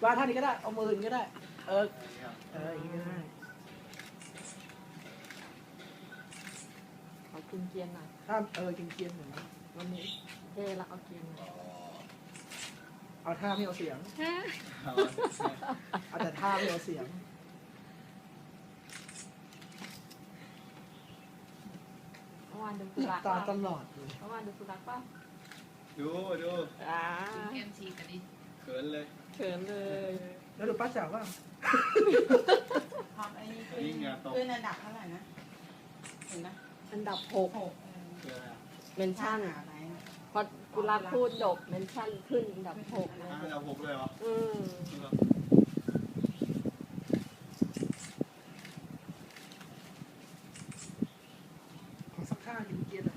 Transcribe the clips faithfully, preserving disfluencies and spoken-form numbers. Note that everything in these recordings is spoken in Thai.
วางท่านี้ก็ได้เอามืออย่างนี้ก็ได้เออเอออย่างนี้ก็ได้เอากินเกียนหน่อยถ้าเออกินเกียนเหมือนวันนี้เท่ละเอาเกียนหน่อยเอาท่าไม่เอาเสียงเอาแต่ท่าไม่เอาเสียงเมื่อวานดูสุรักตาป่ะตลอดเลยเมื่อวานดูสุรักป่ะดูดูอ่าเอ็มซีกันดิเขินเลยเขินเลยแล้วดูป้าจ๋าว่าทำไอ้นี่ขึ้นขึ้นอันดับเท่าไหร่นะเห็นไหมอันดับหกหกเขินอะไรเมนชั่นหาอะไรพอกุรักพูดจบเมนชั่นขึ้นอันดับหกเลยอ่ะเราหกเลยเหรออืมขอสักท่ากินเกียนอ่ะ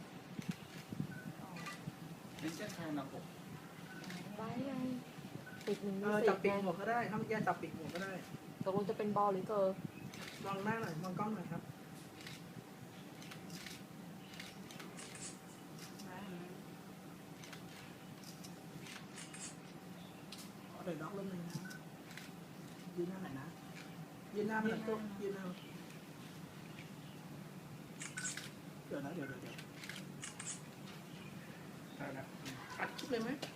นี่เช่นใครนับหกไว้ไงติดหนึ่งเอมีอสิจับบ ปีไงกหมวกก็ได้ถ้าเมื่อกี้จับปีกหมวกก็ได้ตกลงจะเป็นบอลหรือเกิร์ลมองหน้าหน่อยมองกล้องหน่อยครับเอาเดี๋ยวด็อกเริ่มเลยนะยืนหน้าไหนนะยืนหน้าไม่หลังโต๊ะยืนหน้าเดี๋ยวนะเดี๋ยวเดี๋ยวเดี๋ยวได้นะอัดคลิปเลยไหม